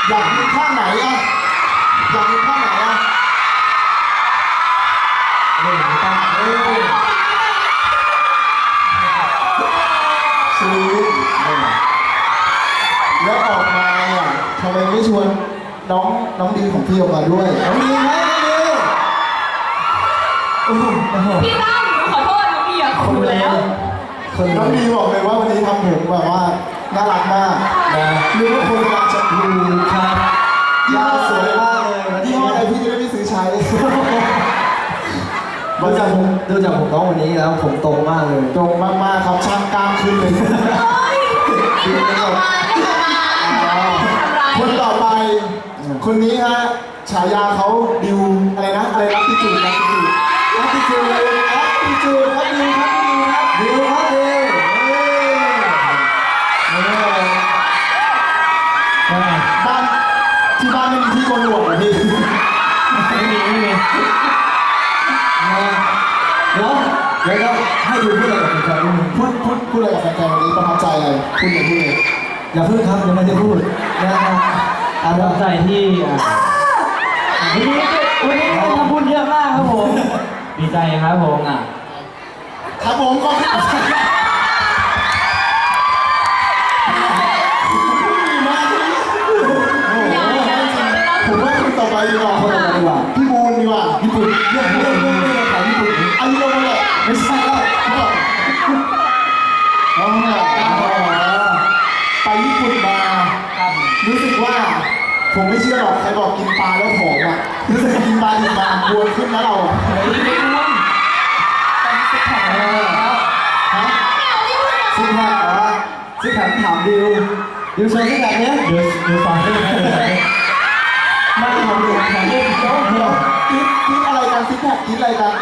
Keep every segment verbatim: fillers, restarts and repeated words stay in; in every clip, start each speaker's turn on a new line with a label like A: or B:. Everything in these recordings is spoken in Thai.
A: อยากมีข้างไหนอ่ะอยากมีข้างไหนอ่ะไม่ไม่ต้องเอ้ยสวีทแล้วออกมาอ่ะทำไมไม่ชวนน้องน้องดีของพี่ออกมาด้วยน้องดีไหมน้องดี
B: พี่ตั้มขอโทษน้องดีอ่ะขอบคุณแล้ว
A: น้องดีบอกเลยว่าวันนี้ทำผมแบบว่าน่ารักมากนะนึกว่าคนกำลังจะดูครับยาสวยมากเลยยี่ห้ออะไรพี่จะได้ไม่ซื้อใช้
C: ดูจากผมดูจากผมน้องวันนี้แล้วผมตรงมากเลย
A: ตรงมากๆครับช่างกล้ามขึ้นเลยคนต่อไปคนนี้ฮะฉายาเขาดิวอะไรนะอะไรนะพี่จูนนะพี่จูนนะพี่จูนนะพี่จูนครับดิวครับดิวครับดิวครับดิวบ้านที่บ้านไม่มีที่โกนหนวดเหรอพี่
C: ไม่มีไม่มีเดี๋ยวเดี๋ยวให้ดูพูดอะไรกับแฟนๆ
A: พูดพูดพูดอะไรกับแฟนๆวันนี้ประทับใจอะไรพูดเลยพูดเลย
C: อย่าพูดครับยังไม่ได้พูดนะครับ
D: ประทับใจที่วันนี้วันนี้ทำบุญเยอะมากครับผมดีใจครับผมอ่ะ
A: ครับผมก็ผมว่าคนต่อไปดีกว่าคนต่อไปดีกว่าพี่บูนดีกว่าญี่ปุ่นเรื่องเรื่องเรื่องเรื่องของญี่ปุ่นอายุเราเลยไม่ใช่แล้วอ๋อไปญี่ปุ่นมารู้สึกว่าผมไม่เชื่อหรอกใครบอกกินปลาแล้วผอมอ่ะรู้สึกกินปลาดิบมาบวมขึ้นนะเรา
D: ไม่ไม่อ้วนเป็นสิบแผง
A: ฮะ
C: ซิกแพคอ๋อซิกแพคถามดิวดิวโชว์ซิกแพคเนี้ย
D: เดี๋ยวเดี๋ยวฟังได้ไหม
A: ไม่ทำเลยทำเลยเดี๋ยวเดี๋ยวคิดคิดอะไรกันซิกแพคคิดอะไรกัน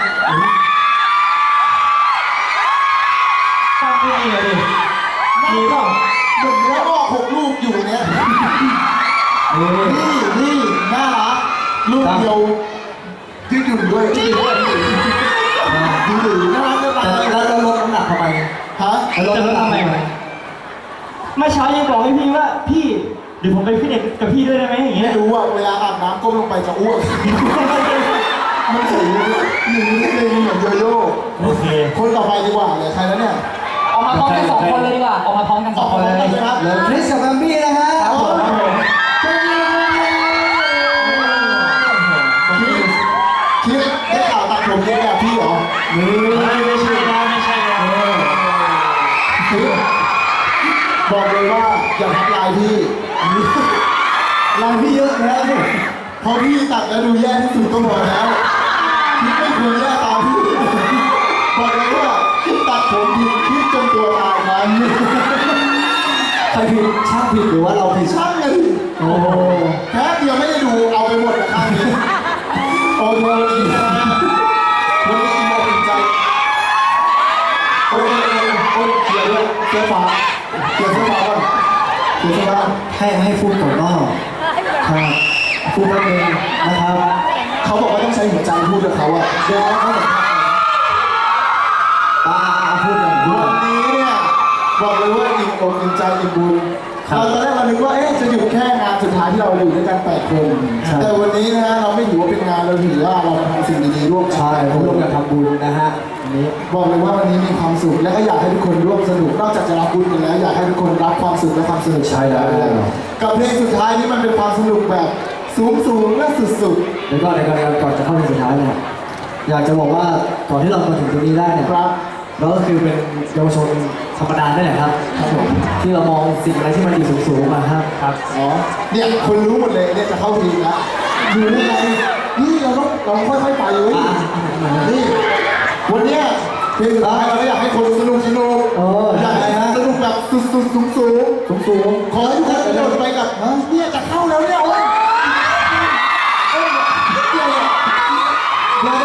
D: ตั้งไม่ดีเลยดิ
A: นี่เปล่าหนุ่มแล้วก็หกลูกอยู่เนี้ยนี่นี่น่ารักลูกเดียวยืดหยุ่นด้วยยืดหยุ่นยืดหยุ่นน่ารักจะตาย
C: แล้วเราลดน้ำหนักทำไม
A: ฮะ
D: เราลดทำไมเมื่อเช้ายังบอกให้พี่ว่าพี่เดี๋ยวผมไปฟิตเนสกับพี่ด้วยได้ไหมอย่างเงี้ย
A: รู้ว่าเวลาอาบน้ำก้มลงไปจะอ้วกมันถึงหนึ่งนิดนึงเหมือนโยโย่
D: โอเค
A: คนต่อไปดีกว่าเลยใครแล้วเนี่ย
B: ออกมาพร้อมกันสองคนเลยดีกว่าออกมาพร้อมกันสองคนเลย
A: ครับ
C: เหลือคริสกับแบมบี้นะฮะ
A: คิดได้ข่าวตัดผมเยอะแบบพี่เหรอ
D: ไม่ไม่ใช่นะไม่ใช่นะ
A: บอกเลยว่าอย่าทักไลน์พี่
C: ไลน์พี่เยอะแล้วสิ
A: พอพี่ตัดแล้วดูแย่ที่สุดก็พอแล้วคิดไม่ควรแย่ตามพี่บอกเลยว่าตัดผมผิดคิดจนตัวตายมัน
C: ใครผิดช่างผิดหรือว่าเราผิด
A: ช่างเลย
C: โอ้
A: แค่เดียวไม่ได้ดูเอาไปหมดนะข้างนี้โอ้โหดีนะวันนี้อินอกอินใจโอ้ยโอ้ยเกียร์ด้วยเกียร์ฟ้าเกียร์เสื้อฟ้าก่อนเกียร์เสื้อฟ้า
C: ให้ให้พูดก่อนก็ครับพูดแป๊บนึงนะครับ
A: เขาบอกว่าต้องใช้หัวใจพูดกับเขาอะเดี๋ยวเขาบอก
C: ตาพูดอย่างนี้
A: วันนี้เนี่ยบอกเลยว่าอิ่มอกอิ่มใจอิ่มบุญเราตอนแรกเราคิดว่าเอ๊ะจะอยู่แค่งานสุดท้ายที่เราอยู่ด้วยกันแปดคนแต่วันนี้นะฮะเราไม่ถือว่าเป็นงานเราถือว่าเราทำสิ่งดีๆร่วมกัน
C: ใช่ร่วมกันทำบุญนะฮะ
A: วันนี้บอกเลยว่าวันนี้มีความสุขและก็อยากให้ทุกคนร่วมสนุกนอกจากจะรับบุญกันแล้วอยากให้ทุกคนรับความสุขและความสนุก
C: ใช่แล้ว
A: กับเพลงสุดท้ายนี้มันเป็นความสนุกแบบสูงสูงและสุด
C: ๆเดี๋ยวก่อนเดี๋ยวก่อนก่อนจะเข้าเพลงสุดท้ายเนี่ยอยากจะบอกว่าก่อนที่เรามาถึงตรงนี้ได้เนี่ยเราก็คือเป็นเยาวชนธรรมดาได้แหละครับที่เรามองสิ่งอะไรที่มันดีสูงๆมาครับ
A: ครับอ๋อเนี่ยคนรู้หมดเลยเนี่ยจะเข้าทีมแล้วอยู่ได้ไงนี่เราต้องเราค่อยๆไปเลยนี่วันเนี้ยเพลงสุดท้ายเราอยากให้คนสนุกสนุกอยากให้สนุกแบบสุดๆสูงสูง
C: สูง
A: ขอให้ทุกคนกระโดดไปกับเนี่ยจะเข้าแล้วเนี่ยโอ้ยเดี๋ยวเดี๋ยว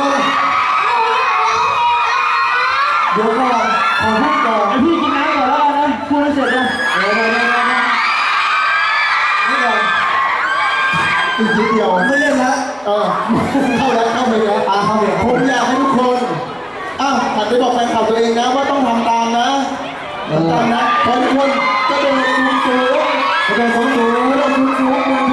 A: เดี๋ยวก่อนขอพูดก่อน
D: ไอพี่กินน้ำก่อนแล้วกันนะพูดไม่เสร็จเลย
A: เดี๋ยวเดี๋ยวเดี๋ยวนี่ก่อนอีกนิดเดียว
C: ไม่เล่นแล้ว
A: เออเข้าแล้วเข้าไปแล้ว
C: อ่าเข้าไป
A: ผมอยากให้ทุกคนอ้าวหันไปบอกแฟนคลับตัวเองนะว่าต้องทำตามนะทำตามนะขอทุกคนก็โดนสูงสูงก็โดนสูงสูงก็โดนสูงสูง